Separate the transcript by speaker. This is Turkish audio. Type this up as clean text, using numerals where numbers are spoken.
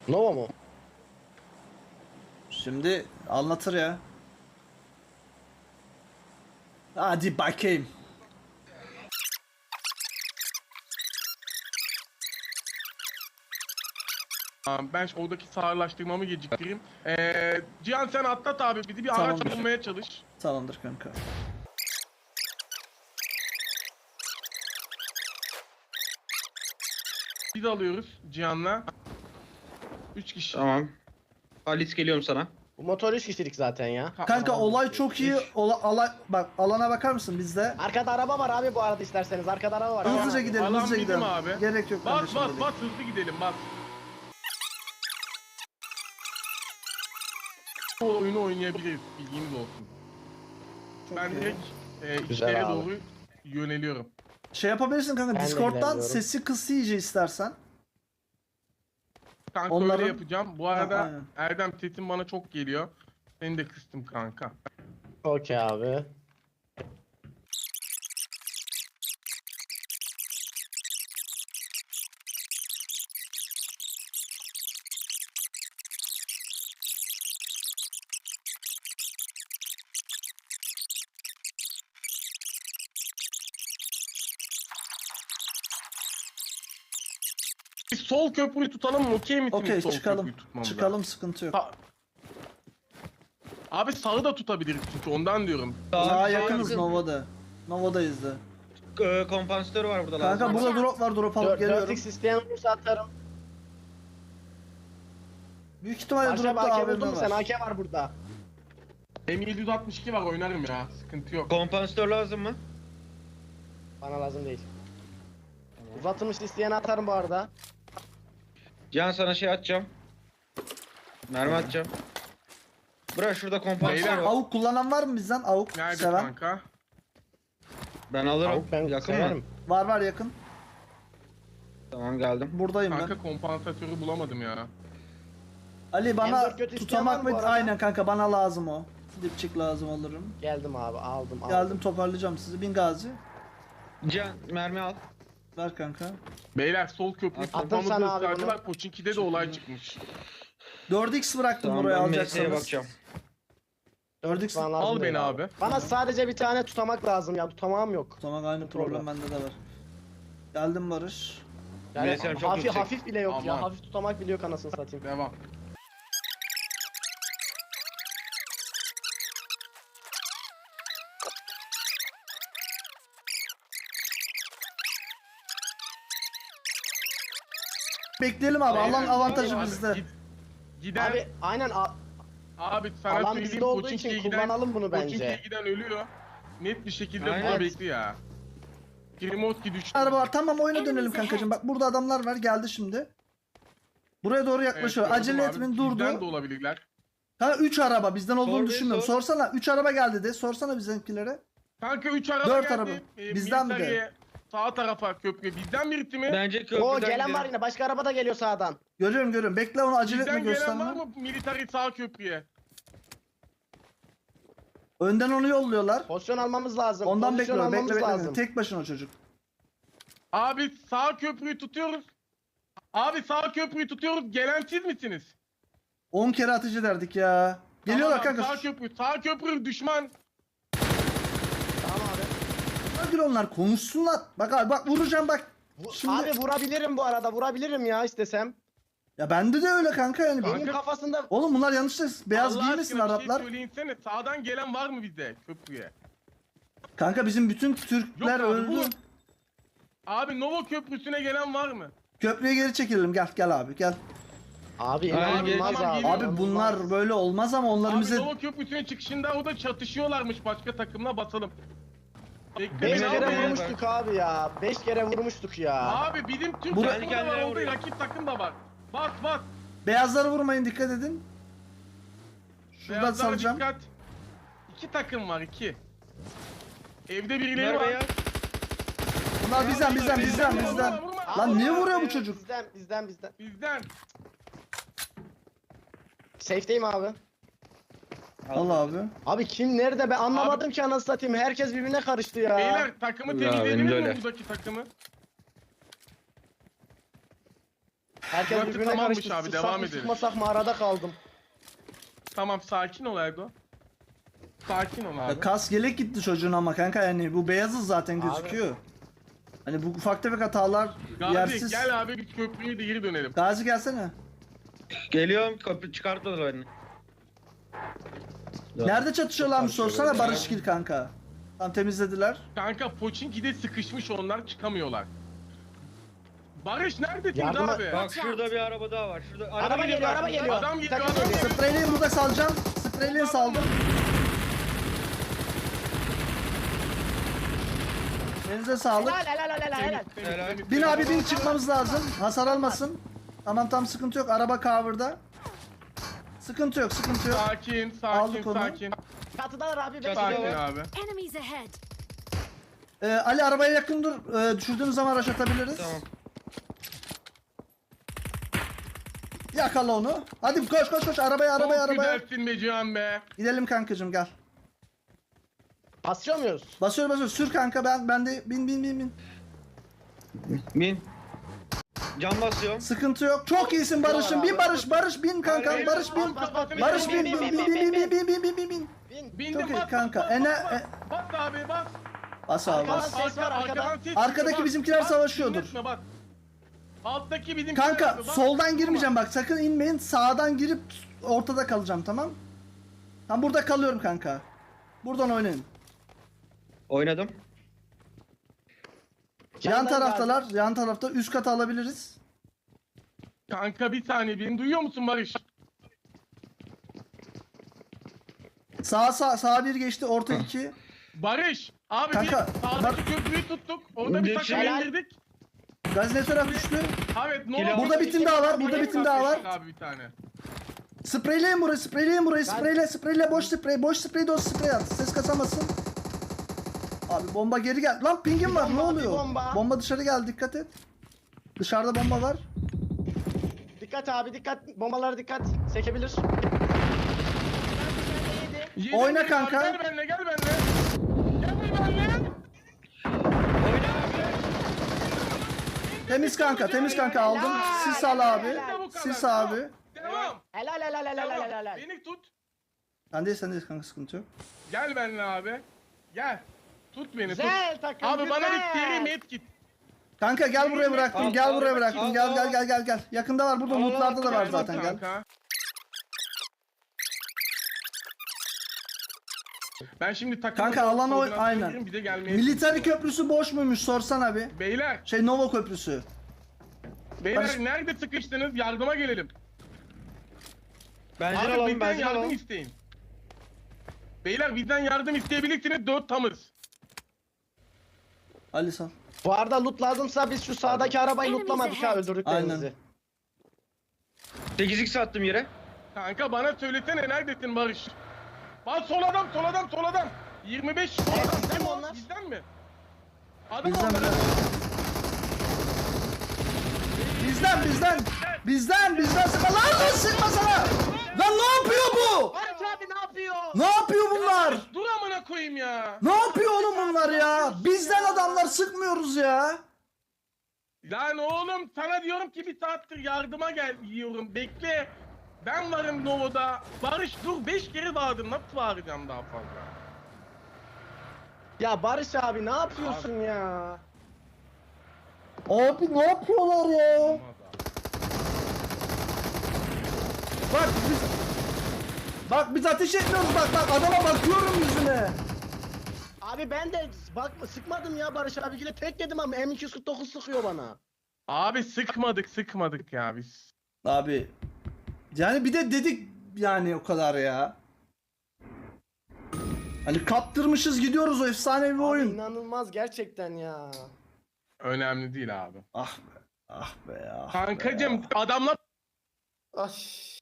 Speaker 1: Nova mu?
Speaker 2: Şimdi anlatır ya. Hadi bakayım.
Speaker 3: Tamam, ben oradaki sağırlaştırmamı geciktireyim. Cihan sen atlat abi, bizi bir araç
Speaker 2: Tamamdır.
Speaker 3: bulmaya çalış.
Speaker 2: Tamamdır kanka.
Speaker 3: Biz alıyoruz Cihan'la. 3 kişi.
Speaker 4: Tamam. Halis geliyorum sana.
Speaker 1: Bu motor 3 kişilik zaten ya.
Speaker 2: Kanka olay çok iyi. Bak alana bakar mısın bizde?
Speaker 1: Arkada araba var abi bu arada isterseniz. Arkada araba var.
Speaker 2: Hızlıca gidelim,
Speaker 3: Alan
Speaker 2: hızlıca
Speaker 3: bizim
Speaker 2: gidelim.
Speaker 3: abi.
Speaker 2: Gerek yok
Speaker 3: Bas
Speaker 2: kardeşim.
Speaker 3: bas
Speaker 2: dedik.
Speaker 3: bas, hızlı gidelim bas. Bu oyunu oynayabiliriz, bilginiz olsun.
Speaker 2: Çok
Speaker 3: Ben
Speaker 2: iyi.
Speaker 3: direkt
Speaker 1: Güzel
Speaker 3: işlere
Speaker 1: abi.
Speaker 3: doğru yöneliyorum.
Speaker 2: Şey yapabilirsin kanka,
Speaker 1: Ben de
Speaker 2: Discord'dan
Speaker 1: ilerliyorum.
Speaker 2: sesi kıs iyice istersen.
Speaker 3: Kanka
Speaker 2: Onların-
Speaker 3: öyle yapacağım. Bu arada
Speaker 2: aynen.
Speaker 3: Erdem sesin bana çok geliyor. Seni de kıstım kanka.
Speaker 1: Okey abi.
Speaker 3: Biz sol köprüyü tutalım mı? Okey misiniz
Speaker 2: Okey
Speaker 3: sol
Speaker 2: çıkalım.
Speaker 3: köprüyü tutmamıza?
Speaker 2: Çıkalım, sıkıntı yok.
Speaker 3: Abi sağı da tutabiliriz çünkü ondan diyorum.
Speaker 2: Daha yakınız Nova'da. Nova'dayız da.
Speaker 4: Kompansatör var burada
Speaker 2: Kanka
Speaker 4: lazım.
Speaker 2: burada drop var, drop alıp
Speaker 1: 4,
Speaker 2: geliyorum.
Speaker 1: 4x isteyen olursa atarım.
Speaker 2: Büyük ihtimalle
Speaker 1: Barış abi
Speaker 2: dropta
Speaker 1: AK
Speaker 2: AVM
Speaker 1: buldun mu sen?
Speaker 2: var.
Speaker 1: AK var burada.
Speaker 3: M762 var, oynarım ya. Sıkıntı yok.
Speaker 4: Kompansatör lazım mı?
Speaker 1: Bana lazım değil. Uzatılmış isteyen atarım bu arada.
Speaker 4: Can sana şey atacağım. Mermi atacağım. Bırak şurada kompansatör
Speaker 3: Beyler,
Speaker 4: var.
Speaker 2: Avuk kullanan var mı bizden? Avuk
Speaker 3: Nerede
Speaker 2: seven.
Speaker 3: kanka?
Speaker 4: Ben alırım.
Speaker 1: Tavuk ben
Speaker 4: Yakın
Speaker 1: severim.
Speaker 4: mı?
Speaker 2: Var yakın.
Speaker 4: Tamam geldim.
Speaker 2: Buradayım ben.
Speaker 3: Kanka kompansatörü bulamadım ya.
Speaker 2: Ali bana
Speaker 1: M4 kötü isteyen var
Speaker 2: tutamak
Speaker 1: mı bu
Speaker 2: mı?
Speaker 1: arada?
Speaker 2: Aynen kanka, bana lazım o. Dipçik lazım alırım.
Speaker 1: Geldim abi aldım.
Speaker 2: Geldim, toparlayacağım sizi. Bin Gazi.
Speaker 4: Can mermi al.
Speaker 2: Ver kanka.
Speaker 3: Beyler sol köprü
Speaker 1: Attım
Speaker 3: kafamızı
Speaker 1: sana abi
Speaker 3: ısrarcılar. Poçinki'de de olay çıkmış.
Speaker 2: 4x bıraktım
Speaker 4: Tamam
Speaker 2: buraya
Speaker 4: ben MS'ye
Speaker 2: alacaksanız.
Speaker 4: bakacağım.
Speaker 2: 4x
Speaker 1: Bana lazım
Speaker 3: Al
Speaker 1: değil
Speaker 3: beni abi.
Speaker 1: Bana sadece bir tane tutamak lazım ya. Tutamağım yok.
Speaker 2: Tamam, aynı problem bende de var. Geldim Barış.
Speaker 1: Yani
Speaker 4: Neyse, çok
Speaker 1: hafif,
Speaker 4: yüksek.
Speaker 1: hafif bile yok ya.
Speaker 3: Aman.
Speaker 1: Hafif tutamak bile yok anasını satayım.
Speaker 3: Devam.
Speaker 2: Bekleyelim abi.
Speaker 3: Beyler,
Speaker 2: Allah'ın avantajı
Speaker 3: abi,
Speaker 2: bizde.
Speaker 3: Gider.
Speaker 1: Abi
Speaker 3: Sana
Speaker 1: alan
Speaker 3: söyleyeyim,
Speaker 1: bizde olduğu
Speaker 3: Poçinki'ye
Speaker 1: için
Speaker 3: giden,
Speaker 1: kullanalım bunu
Speaker 3: Poçinki'ye
Speaker 1: bence.
Speaker 3: giden ölüyor. Net bir şekilde
Speaker 4: Aynen.
Speaker 3: buna bekli ya. Grimotki düştü.
Speaker 2: Araba var. Tamam, oyuna dönelim kankacığım. Bak burada adamlar var. Geldi şimdi. Buraya doğru yaklaşıyor.
Speaker 3: gördüm
Speaker 2: Acele
Speaker 3: abi.
Speaker 2: etmeyin,
Speaker 3: Bizden de
Speaker 2: durdu.
Speaker 3: olabilirler.
Speaker 2: Ha 3 araba bizden olduğunu
Speaker 4: Sor bir,
Speaker 2: düşünmüyorum.
Speaker 4: sor.
Speaker 2: Sorsana 3 araba geldi de. Sorsana bizimkilere.
Speaker 3: Kanka 3 araba
Speaker 2: 4
Speaker 3: geldi.
Speaker 2: araba. Bizden mi de?
Speaker 3: Militariye, sağ tarafa köprü. Bizden birisi mi?
Speaker 4: Bence köprüden
Speaker 1: Oo gelen
Speaker 4: gidelim.
Speaker 1: var yine. Başka araba da geliyor sağdan.
Speaker 2: Görüyorum. Bekle, onu acele etme,
Speaker 3: Bizden gelen var
Speaker 2: gösterme.
Speaker 3: mı militari sağ köprüye?
Speaker 2: Önden onu yolluyorlar.
Speaker 1: Pozisyon almamız lazım.
Speaker 2: Ondan
Speaker 1: Pozisyon
Speaker 2: bekliyorum.
Speaker 1: almamız
Speaker 2: Bekle.
Speaker 1: lazım.
Speaker 2: Tek başına o çocuk.
Speaker 3: Abi sağ köprüyü tutuyoruz. Abi sağ köprüyü tutuyoruz. Gelen siz misiniz?
Speaker 2: 10 kere ateş ederdik ya. Geliyorlar
Speaker 3: Tamam abi,
Speaker 2: kanka.
Speaker 3: Sağ köprü düşman.
Speaker 1: Tamam abi.
Speaker 2: Hadi onlar konuşsunlar. Bak abi, bak vuracağım bak. Şimdi...
Speaker 1: Abi vurabilirim bu arada. Vurabilirim ya istesem.
Speaker 2: Ya bende de öyle kanka yani.
Speaker 3: Kanka-
Speaker 1: Benim kafasında
Speaker 2: Oğlum bunlar yanlışlıkla beyaz
Speaker 3: Allah
Speaker 2: giymesin
Speaker 3: aşkına
Speaker 2: Araplar.
Speaker 3: Bir şey söyleyinsene. Sağdan gelen var mı bize köprüye?
Speaker 2: Kanka bizim bütün Türkler
Speaker 3: Yok abi,
Speaker 2: öldü.
Speaker 3: bu- Abi Nova köprüsüne gelen var mı?
Speaker 2: Köprüye geri çekilelim, gel abi gel.
Speaker 1: abi
Speaker 4: Aynen,
Speaker 1: inanılmaz
Speaker 3: tamam,
Speaker 1: abi.
Speaker 3: geliyor.
Speaker 2: Abi bunlar böyle olmaz ama onlar
Speaker 3: Abi
Speaker 2: bize...
Speaker 3: Nova köprüsüne çıkışında o da çatışıyorlarmış başka takımla, basalım. Bekle
Speaker 1: 5
Speaker 3: beni
Speaker 1: kere
Speaker 3: abi.
Speaker 1: vurmuştuk abi ya. 5 kere vurmuştuk ya.
Speaker 3: Abi bizim Türk
Speaker 2: Buraya-
Speaker 3: takımı da var,
Speaker 4: Kendine
Speaker 3: orada
Speaker 4: vuruyor.
Speaker 3: rakip takım da var. Bas bas.
Speaker 2: Beyazları vurmayın, dikkat edin. Şuradan
Speaker 3: Beyazlara
Speaker 2: salacağım.
Speaker 3: dikkat. 2 takım var, 2. Evde birileri
Speaker 4: Bunlar
Speaker 3: var.
Speaker 4: beyaz.
Speaker 2: Bunlar bizden.
Speaker 3: Vurma, vurma.
Speaker 2: Lan niye
Speaker 1: Abi,
Speaker 2: vuruyor bu
Speaker 1: evet,
Speaker 2: çocuk?
Speaker 1: Bizden.
Speaker 3: Bizden.
Speaker 1: Safe'deyim abi.
Speaker 2: Al abi.
Speaker 1: Abi kim nerede ben anlamadım ki anasını satayım. Herkes birbirine karıştı ya.
Speaker 3: Beyler takımı
Speaker 4: Ya,
Speaker 3: temizlediniz
Speaker 4: benim de
Speaker 3: mi
Speaker 4: öyle.
Speaker 3: buradaki takımı?
Speaker 1: Herkes
Speaker 3: Burası
Speaker 1: birbirine
Speaker 3: tamammış
Speaker 1: karıştı.
Speaker 3: abi,
Speaker 1: Sıksak
Speaker 3: devam
Speaker 1: mı,
Speaker 3: edelim.
Speaker 1: sıkmasak mı arada kaldım.
Speaker 3: Tamam sakin ol Erdo. Sakin ol abi.
Speaker 2: Ya kas yelek gitti çocuğun ama kanka, yani bu beyazız zaten gözüküyor. Hani bu ufak tefek hatalar
Speaker 3: Gazi
Speaker 2: yersiz.
Speaker 3: gel abi bir köprüye de geri dönelim.
Speaker 2: Gazi gelsene.
Speaker 4: Geliyorum, kapı çıkartmadılar beni.
Speaker 2: Nerede çatışıyorlarmış sorsana Barışgil kanka. Tam temizlediler.
Speaker 3: Kanka Poçinki'de sıkışmış onlar çıkamıyorlar. Barış neredesin
Speaker 1: Yardıma-
Speaker 3: abi?
Speaker 4: Bak şurada bir araba daha var. Şurada
Speaker 1: Araba geliyor, araba geliyor.
Speaker 3: Adam geliyor,
Speaker 1: Takım
Speaker 3: adam
Speaker 1: geliyor.
Speaker 3: geliyor.
Speaker 2: Spreyleyin, burada salacağım. Spreyleyin, saldım. Elinize sağlık.
Speaker 1: Helal.
Speaker 3: Temiz,
Speaker 2: Bin abi bin,
Speaker 3: temiz.
Speaker 2: çıkmamız lazım. Hasar almasın. Tamam tam sıkıntı yok. Araba cover'da. Sıkıntı yok, sıkıntı yok.
Speaker 3: Sakin, sakin,
Speaker 2: Aldık onu.
Speaker 3: sakin.
Speaker 1: Çatıdalar abi.
Speaker 4: Çatıda
Speaker 3: Sakin
Speaker 4: var.
Speaker 3: abi.
Speaker 5: Enemies ahead.
Speaker 2: Ali arabaya yakın dur. Düşürdüğümüz zaman rush atabiliriz.
Speaker 4: Tamam.
Speaker 2: Yakala onu. Hadi koş koş koş, arabaya
Speaker 3: Çok
Speaker 2: arabaya.
Speaker 3: güzelsin be Cihan be.
Speaker 2: Gidelim kankacığım, gel.
Speaker 1: Basıyor muyuz?
Speaker 2: Basıyor sür kanka, ben de bin.
Speaker 4: Bin. Can basıyorum.
Speaker 2: Sıkıntı yok. Çok iyisin Barış'ım. Bin Barış bin kanka.
Speaker 3: Hayır,
Speaker 2: Barış bin.
Speaker 1: bas, bas, bin,
Speaker 2: Barış bin.
Speaker 1: bin.
Speaker 3: Bindim
Speaker 2: Çok iyi
Speaker 3: bas,
Speaker 2: kanka.
Speaker 3: bas, bas, bas abi bas.
Speaker 2: Bas abi
Speaker 1: Arkadan
Speaker 2: bas.
Speaker 1: ses var, arkadan.
Speaker 3: ses
Speaker 2: Arkadaki
Speaker 3: çıkıyor, bas,
Speaker 2: bizimkiler
Speaker 3: bas,
Speaker 2: savaşıyordur.
Speaker 3: dinletme, bas. Alttaki bizimkiler
Speaker 2: Kanka
Speaker 3: yapıyor, bas.
Speaker 2: soldan girmeyeceğim bak, sakın inmeyin. Sağdan girip ortada kalacağım, tamam? Ben burada kalıyorum kanka. Buradan oynayın.
Speaker 4: Oynadım.
Speaker 2: Yan taraftalar. Yan tarafta üst kata alabiliriz.
Speaker 3: Kanka bir saniye beni duyuyor musun Barış?
Speaker 2: Sağ bir geçti, orta 2.
Speaker 3: Barış abi
Speaker 2: Kanka,
Speaker 3: bir sağdaki köprüyü tuttuk. Orada bir takım
Speaker 1: Helal.
Speaker 3: indirdik.
Speaker 2: Gaz ne taraf düştü?
Speaker 3: Evet ne
Speaker 4: Kilo.
Speaker 3: oldu?
Speaker 2: Burada bir tim daha var. Burada bir tim daha var.
Speaker 3: Abi bir tane.
Speaker 2: Spreyleyin burayı. Spreyle, boş sprey, doz sprey at. Ses kasamasın. Abi bomba geri gel. Lan pingim var, ne
Speaker 1: bomba,
Speaker 2: oluyor?
Speaker 1: bir bomba.
Speaker 2: Bomba dışarı geldi, dikkat et. Dışarıda bomba var.
Speaker 1: Dikkat abi dikkat. Bombalara dikkat. Sekebilir.
Speaker 3: Yedim
Speaker 2: Oyna
Speaker 3: beni
Speaker 2: kanka.
Speaker 3: abi, Gel benimle gel benimle. Gel benimle.
Speaker 2: Temiz kanka aldım. Sis al abi. Sis abi.
Speaker 3: Devam.
Speaker 1: Helal.
Speaker 3: Beni tut.
Speaker 2: Sen değil kanka, sıkıntı yok.
Speaker 3: Gel benimle abi. Gel. Tut beni tut.
Speaker 1: Güzel takım.
Speaker 3: Abi bana bir
Speaker 1: güzel.
Speaker 3: seri med git.
Speaker 2: Kanka gel buraya bıraktım.
Speaker 4: Al,
Speaker 2: Gel
Speaker 4: al,
Speaker 2: buraya
Speaker 4: al,
Speaker 2: bıraktım.
Speaker 4: al,
Speaker 2: Gel. Yakında var, burada
Speaker 4: Al, al,
Speaker 2: lootlarda da var
Speaker 3: Gel
Speaker 2: zaten, gel.
Speaker 3: kanka. Ben şimdi takımı
Speaker 2: Kanka, alan oy-
Speaker 3: koordinasyon
Speaker 2: aynen.
Speaker 3: veririm, bize gelmeye
Speaker 2: Military köprüsü boş muymuş sorsana bir.
Speaker 3: Beyler,
Speaker 2: Nova köprüsü.
Speaker 3: beyler
Speaker 2: Barış-
Speaker 3: nerede sıkıştınız? Yardıma gelelim.
Speaker 4: Benzin
Speaker 3: Abi
Speaker 4: alalım,
Speaker 3: bizden
Speaker 4: benzin
Speaker 3: yardım
Speaker 4: alalım.
Speaker 3: isteyin. Beyler bizden yardım isteyebilirsiniz, 4 tamız.
Speaker 2: Ali sal.
Speaker 1: Bu arada loot lazımsa biz şu sağdaki arabayı lootlamadık ha öldürdüklerimizi.
Speaker 2: Aynen.
Speaker 4: 8x attım yere.
Speaker 3: Kanka bana söylesene neredesin Barış? Bak sol adam. 25 sol
Speaker 1: Evet,
Speaker 3: adam.
Speaker 1: bizden
Speaker 3: Kim
Speaker 1: mi
Speaker 3: o?
Speaker 1: onlar?
Speaker 3: Bizden mi? Adam
Speaker 2: Bizden
Speaker 3: onları-
Speaker 2: Bizden sıkma lan sıkma sana. Lan ne yapıyor bu?
Speaker 1: Barış abi ne yapıyor?
Speaker 2: Ne yapıyor bunlar?
Speaker 3: Dur amına koyayım ya.
Speaker 2: Ne yapıyor oğlum bunlar ya? Bizden adamlar, sıkmıyoruz ya.
Speaker 3: Lan oğlum sana diyorum ki bir saattir yardıma gel diyorum. Bekle. Ben varım Novo'da. Barış dur 5 kere bağırdım. Nasıl bağıracağım daha fazla?
Speaker 1: Ya Barış abi ne yapıyorsun ya?
Speaker 2: Abi ne yapıyorlar ya?
Speaker 3: Olmaz abi.
Speaker 2: Bak biz ateş etmiyoruz, bak adama bakıyorum yüzüne.
Speaker 1: Abi ben de bakma sıkmadım ya Barış abiyle tek yedim ama M249 sıkıyor bana.
Speaker 3: Abi sıkmadık ya biz.
Speaker 2: Abi yani bir de dedik yani o kadar ya. Hani kaptırmışız gidiyoruz, o efsane bir
Speaker 1: Abi
Speaker 2: oyun.
Speaker 1: inanılmaz gerçekten ya.
Speaker 3: Önemli değil abi.
Speaker 2: Ah be ya.
Speaker 3: Kankacım adamlar
Speaker 1: Ay.